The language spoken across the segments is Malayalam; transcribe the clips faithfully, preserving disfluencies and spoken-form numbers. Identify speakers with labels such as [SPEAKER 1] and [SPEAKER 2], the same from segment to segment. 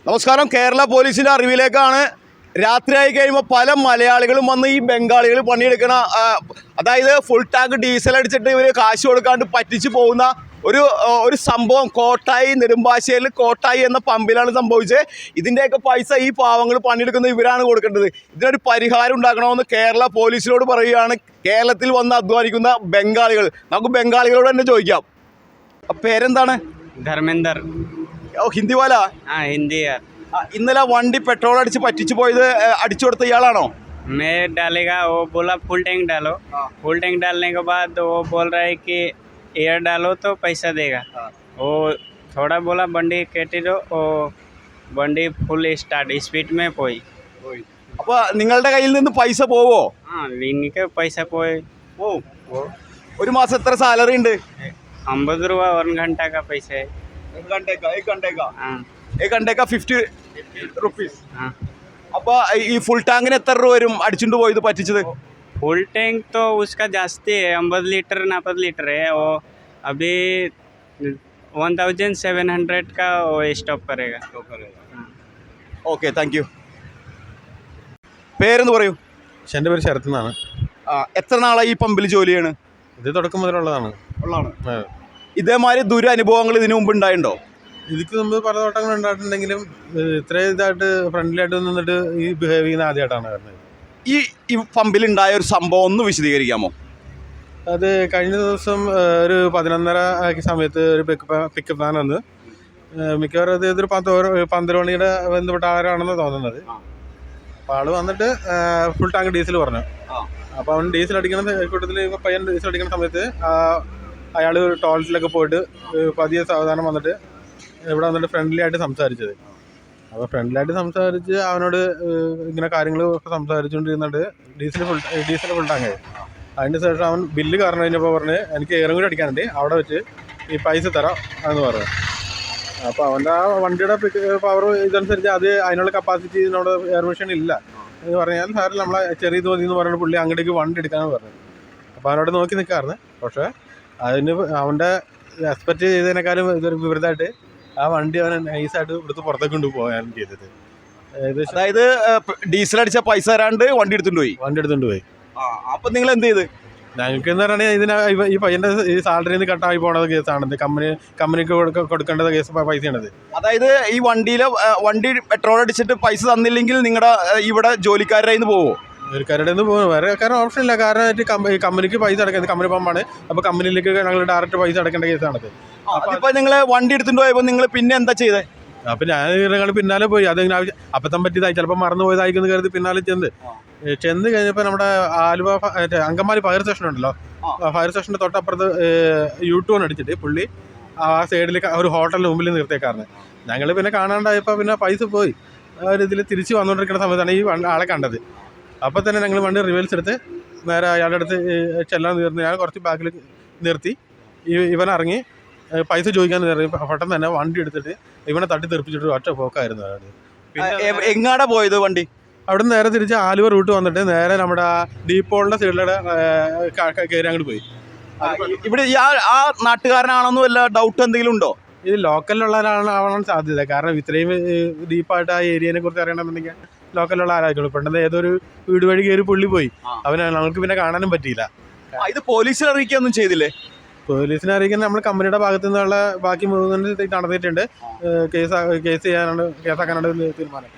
[SPEAKER 1] നമസ്കാരം. കേരള പോലീസിൻ്റെ അറിവിലേക്കാണ്. രാത്രിയായി കഴിയുമ്പോൾ പല മലയാളികളും വന്ന് ഈ ബംഗാളികൾ പണിയെടുക്കണ, അതായത് ഫുൾ ടാങ്ക് ഡീസൽ അടിച്ചിട്ട് ഇവർ കാശ് കൊടുക്കാണ്ട് പറ്റിച്ച് പോകുന്ന ഒരു ഒരു സംഭവം കോട്ടായി, നെടുമ്പാശ്ശേരിയിൽ കോട്ടായി എന്ന പമ്പിലാണ് സംഭവിച്ചത്. ഇതിൻ്റെയൊക്കെ പൈസ ഈ പാവങ്ങൾ പണിയെടുക്കുന്ന ഇവരാണ് കൊടുക്കേണ്ടത്. ഇതിനൊരു പരിഹാരം ഉണ്ടാക്കണമെന്ന് കേരള പോലീസിനോട് പറയുകയാണ് കേരളത്തിൽ വന്ന് അധ്വാനിക്കുന്ന ബംഗാളികൾ. നമുക്ക് ബംഗാളികളോട് തന്നെ ചോദിക്കാം. പേരെന്താണ്?
[SPEAKER 2] ധർമ്മേന്ദർ.
[SPEAKER 1] ഓ, ഹിന്ദി വാല?
[SPEAKER 2] ആ, ഹിന്ദി यार.
[SPEAKER 1] ഇന്നലെ വണ്ടി പെട്രോൾ അടിച്ച് പറ്റിച്ചു പോയത് അടിച്ചു കൊടുത്ത ഇയാളാണോ?
[SPEAKER 2] मैं डालेगा, वो बोला फुल टैंक डालो. फुल टैंक डालने के बाद वो बोल रहा है कि एयर डालो तो पैसा देगा. वो थोड़ा बोला बंडी केटी दो, वो बंडी फुल स्टार्ट स्पीड में പോയി.
[SPEAKER 1] അപ്പോൾ നിങ്ങളുടെ കയ്യിൽ നിന്ന് പൈസ പോവോ?
[SPEAKER 2] ആ, എനിക്ക് പൈസ പോയി.
[SPEAKER 1] ഓ, ഒരു മാസം എത്ര സാലറി ഉണ്ട്?
[SPEAKER 2] അമ്പത് രൂപ ഒരു घंटा का पैसा है.
[SPEAKER 1] एक घंटे का एक घंटे का
[SPEAKER 2] हाँ.
[SPEAKER 1] एक घंटे का फिफ्टी रुपीस.
[SPEAKER 2] हाँ.
[SPEAKER 1] അപ്പോൾ ഈ ഫുൾ ടാങ്കിന് എത്ര രൂപ വരും അടിച്ചുകൊണ്ട് പോയത് പറ്റിച്ചത്?
[SPEAKER 2] फुल टैंक तो उसका जास्ती है, अम्बद लीटर नापद लीटर है. वो अभी वन थाउजेंड सेवन हंड्रेड का वो स्टॉप करेगा.
[SPEAKER 1] Okay, thank you. പേരെന്ന് പറയൂ.
[SPEAKER 3] എൻ്റെ പേര് ശരത് എന്നാണ്.
[SPEAKER 1] ആ, എത്ര നാളായി ഈ പമ്പിൽ ജോലി ചെയ്യണ്?
[SPEAKER 3] ഇത് തുടക്കം മുതലുള്ളതാണ്.
[SPEAKER 1] ഉള്ളതാണ്. ഇതേമാതിരി ദുരനുഭവങ്ങൾ ഇതിനു മുമ്പ് ഉണ്ടായിട്ടുണ്ടോ?
[SPEAKER 3] ഇതിക്ക് മുമ്പ് പല തോട്ടങ്ങൾ ഉണ്ടായിട്ടുണ്ടെങ്കിലും ഇത്രയും ഇതായിട്ട് ഫ്രണ്ട്ലിയായിട്ട് നിന്നിട്ട് ഈ ബിഹേവ് ചെയ്യുന്ന ആദ്യമായിട്ടാണ് വരുന്നത്.
[SPEAKER 1] ഈ ഈ പമ്പിലുണ്ടായ ഒരു സംഭവം ഒന്ന് വിശദീകരിക്കാമോ?
[SPEAKER 3] അത് കഴിഞ്ഞ ദിവസം ഒരു പതിനൊന്നര സമയത്ത് ഒരു പിക്കപ്പ് പിക്കപ്പ് വാൻ വന്ന്, മിക്കവാറും അത് ഇതൊരു പത്ത് പന്തലോണിയുടെ ബന്ധപ്പെട്ട ആരാണെന്ന് തോന്നുന്നത്. അപ്പോൾ ആൾ വന്നിട്ട് ഫുൾ ടാങ്ക് ഡീസൽ പറഞ്ഞു. അപ്പോൾ അവൻ ഡീസൽ അടിക്കുന്ന കൂട്ടത്തിൽ പയ്യൻ ഡീസൽ അടിക്കുന്ന സമയത്ത് അയാൾ ടോയ്ലറ്റിലൊക്കെ പോയിട്ട് പതിയെ സാവധാനം വന്നിട്ട് ഇവിടെ വന്നിട്ട് ഫ്രണ്ട്ലി ആയിട്ട് സംസാരിച്ചത്. അപ്പോൾ ഫ്രണ്ട്ലി ആയിട്ട് സംസാരിച്ച് അവനോട് ഇങ്ങനെ കാര്യങ്ങൾ സംസാരിച്ചുകൊണ്ടിരുന്നിട്ട് diesel full diesel full tank. അതിന് ശേഷം അവൻ ബില്ല് കാരണം കഴിഞ്ഞപ്പോൾ പറഞ്ഞ് എനിക്ക് എയറും കൂടി അടിക്കാനുണ്ട്, അവിടെ വെച്ച് ഈ പൈസ തരാം എന്ന് പറഞ്ഞു. അപ്പോൾ അവൻ്റെ ആ വണ്ടിയുടെ പവർ ഇതനുസരിച്ച് അത് അതിനുള്ള കപ്പാസിറ്റി ഇതിനോട് എയർ മെഷീൻ ഇല്ല എന്ന് പറഞ്ഞാൽ സാറിൽ നമ്മളെ ചെറിയ തോന്നി എന്ന് പറഞ്ഞിട്ട് പുള്ളി അങ്ങോട്ടേക്ക് വണ്ടി എടുക്കാമെന്ന് പറഞ്ഞു. അപ്പോൾ അവനോട് നോക്കി നിൽക്കാറുണ്ട്. പക്ഷേ അതിന് അവൻ്റെ എക്സ്പെക്റ്റ് ചെയ്തതിനേക്കാളും ഇതൊരു വിപരീതമായിട്ട് ആ വണ്ടി അവൻ നൈസായിട്ട് ഇവിടുത്തെ പുറത്തേക്ക് കൊണ്ട് പോകാൻ ചെയ്തത്.
[SPEAKER 1] അതായത് ഡീസൽ അടിച്ച പൈസ തരാണ്ട് വണ്ടി എടുത്തുകൊണ്ട് പോയി
[SPEAKER 3] വണ്ടി എടുത്തുകൊണ്ട് പോയി.
[SPEAKER 1] അപ്പം നിങ്ങൾ എന്ത് ചെയ്ത്?
[SPEAKER 3] ഞങ്ങൾക്ക് എന്ന് പറഞ്ഞാൽ ഇതിന് ഈ പയ്യൻ്റെ ഈ സാലറിയിൽ നിന്ന് കട്ടായി പോണത് കേസാണ്. കമ്പനി കമ്പനിക്ക് കൊടുക്കേണ്ടത് കേസ് പൈസയാണത്.
[SPEAKER 1] അതായത് ഈ വണ്ടിയിലെ വണ്ടി പെട്രോൾ അടിച്ചിട്ട് പൈസ തന്നില്ലെങ്കിൽ നിങ്ങളുടെ ഇവിടെ ജോലിക്കാരുടെ നിന്ന് പോവോ?
[SPEAKER 3] ജോലിക്കാരുടെ നിന്ന് പോകും. വേറെ കാരണം ഓപ്ഷൻ ഇല്ല. കാരണം കമ്പനിക്ക് പൈസ അടക്കുന്നത് കമ്പനി പമ്പാണ്. അപ്പോൾ കമ്പനിയിലേക്ക് ഞങ്ങൾ ഡയറക്റ്റ് പൈസ അടക്കേണ്ട കേസാണത്.
[SPEAKER 1] അപ്പോൾ നിങ്ങൾ വണ്ടി എടുത്തുകൊണ്ട് പോയപ്പോൾ നിങ്ങൾ പിന്നെ എന്താ ചെയ്തത്?
[SPEAKER 3] അപ്പം ഞാൻ ഞങ്ങൾ പിന്നാലെ പോയി. അതിങ്ങനെ അപ്പത്തം പറ്റിയതായി ചിലപ്പോൾ മറന്നു പോയതായിരിക്കും കരുതി പിന്നാലെ ചെന്ന് ചെന്ന് കഴിഞ്ഞപ്പോൾ നമ്മുടെ ആലുവ അങ്കമാലി ഫയർ സ്റ്റേഷൻ ഉണ്ടല്ലോ, ഫയർ സ്റ്റേഷൻ്റെ തൊട്ടപ്പുറത്ത് യു ടേൺ അടിച്ചിട്ട് പുള്ളി ആ സൈഡിൽ ഒരു ഹോട്ടലിന് മുമ്പിൽ നിർത്തിയേക്കാറുണ്ട്. ഞങ്ങൾ പിന്നെ കാണാണ്ടായപ്പോൾ പിന്നെ പൈസ പോയി. ആ ഒരു ഇതിൽ തിരിച്ച് വന്നുകൊണ്ടിരിക്കുന്ന സമയത്താണ് ഈ ആളെ കണ്ടത്. അപ്പോൾ തന്നെ ഞങ്ങൾ വണ്ടി റിവേഴ്സ് എടുത്ത് നേരെ അയാളുടെ അടുത്ത് ചെല്ലാൻ നിർത്തി. ഞാൻ കുറച്ച് ബാക്കിൽ നിർത്തി. ഇവൻ ഇറങ്ങി പൈസ ചോദിക്കാൻ കയറി. പെട്ടെന്ന് തന്നെ വണ്ടി എടുത്തിട്ട് ഇവനെ തട്ടി തെറിപ്പിച്ചിട്ട് ഒറ്റ പോക്കായിരുന്നു അയാൾ.
[SPEAKER 1] പിന്നെ എങ്ങാടാ പോയത് വണ്ടി?
[SPEAKER 3] അവിടെ നിന്ന് നേരെ തിരിച്ച് ആലുവ റൂട്ട് വന്നിട്ട് നേരെ നമ്മുടെ ഡീപ്പോളിൻ്റെ സൈഡിലൂടെ കയറി അങ്ങോട്ട് പോയി.
[SPEAKER 1] ഇവിടെ ആ നാട്ടുകാരനാണെന്നും വല്ല ഡൗട്ട് എന്തെങ്കിലും ഉണ്ടോ?
[SPEAKER 3] ഇത് ലോക്കലിലുള്ള ആളാണ് സാധ്യത. കാരണം ഇത്രയും ഡീപ്പായിട്ട് ആ ഏരിയനെ കുറിച്ച് അറിയണമെന്നുണ്ടെങ്കിൽ ലോക്കലിലുള്ള ആരായിരിക്കും. പെട്ടെന്ന് ഏതൊരു വീട് വഴി കയറി പുള്ളി പോയി. അവനെ നമുക്ക് പിന്നെ കാണാനും പറ്റിയില്ല.
[SPEAKER 1] ഇത് പോലീസിൽ അറിയിക്കുകയൊന്നും ചെയ്തില്ലേ?
[SPEAKER 3] പോലീസിനെ അറിയിക്കാൻ നമ്മൾ കമ്പനിയുടെ ഭാഗത്തു നിന്നുള്ള ബാക്കി മൂന്ന് നടന്നിട്ടുണ്ട്. കേസ് കേസ് ചെയ്യാനാണ് കേസാക്കാനാണ് തീരുമാനം.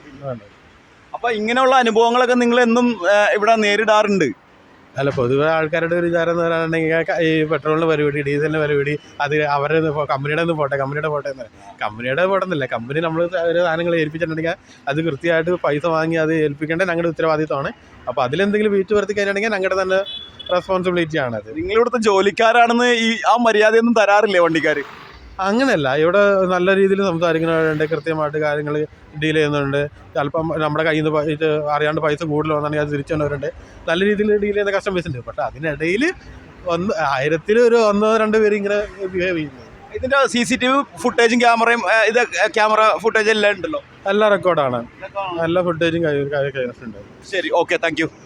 [SPEAKER 1] അപ്പോൾ ഇങ്ങനെയുള്ള അനുഭവങ്ങളൊക്കെ നിങ്ങൾ എന്നും ഇവിടെ നേരിടാറുണ്ട്?
[SPEAKER 3] അല്ല, പൊതുവെ ആൾക്കാരുടെ ഒരു വിചാരം എന്ന് പറയുകയാണെങ്കിൽ ഈ പെട്രോളിന് പരിപാടി, ഡീസലിന് പരിപാടി, അത് അവരുടെ കമ്പനിയുടെ ഒന്ന് പോട്ടെ കമ്പനിയുടെ പോട്ടെ എന്ന് പറയും. കമ്പനിയുടെ പോട്ടെന്നില്ല, കമ്പനി നമ്മൾ ഒരു സാധനങ്ങൾ ഏൽപ്പിച്ചിട്ടുണ്ടെങ്കിൽ അത് കൃത്യമായിട്ട് പൈസ വാങ്ങി അത് ഏൽപ്പിക്കേണ്ടത് ഞങ്ങളുടെ ഉത്തരവാദിത്തമാണ്. അപ്പോൾ അതിലെന്തെങ്കിലും വീഴ്ച വരുത്തി കഴിഞ്ഞിട്ടുണ്ടെങ്കിൽ ഞങ്ങളുടെ തന്നെ റെസ്പോൺസിബിലിറ്റി ആണത്.
[SPEAKER 1] നിങ്ങളിവിടുത്തെ ജോലിക്കാരാണെന്ന് ഈ ആ മര്യാദയൊന്നും തരാറില്ലേ വണ്ടിക്കാർ?
[SPEAKER 3] അങ്ങനെയല്ല, ഇവിടെ നല്ല രീതിയിൽ സംസാരിക്കുന്നവരുണ്ട്, കൃത്യമായിട്ട് കാര്യങ്ങൾ ഡീൽ ചെയ്യുന്നുണ്ട്. ചിലപ്പം നമ്മുടെ കയ്യിൽ നിന്ന് പൈസ അറിയാണ്ട് പൈസ കൂടുതൽ വന്നിട്ടുണ്ടെങ്കിൽ അത് തിരിച്ചു വന്നവരുണ്ട്. നല്ല രീതിയിൽ ഡീൽ ചെയ്യുന്ന കസ്റ്റമേഴ്സ് ഉണ്ട്. പക്ഷേ അതിനിടയിൽ ഒന്ന് ആയിരത്തിൽ ഒരു ഒന്നോ രണ്ടോ പേര് ഇങ്ങനെ ബിഹേവ് ചെയ്യുന്നത്.
[SPEAKER 1] ഇതിൻ്റെ സി സി ടി വി ഫുട്ടേജും ക്യാമറയും ഇത് ക്യാമറ ഫുട്ടേജ് എല്ലാം ഉണ്ടല്ലോ?
[SPEAKER 3] എല്ലാ റെക്കോർഡാണ്, എല്ലാ ഫുട്ടേജും കൈവശമുണ്ട്.
[SPEAKER 1] ശരി, ഓക്കെ, താങ്ക് യു.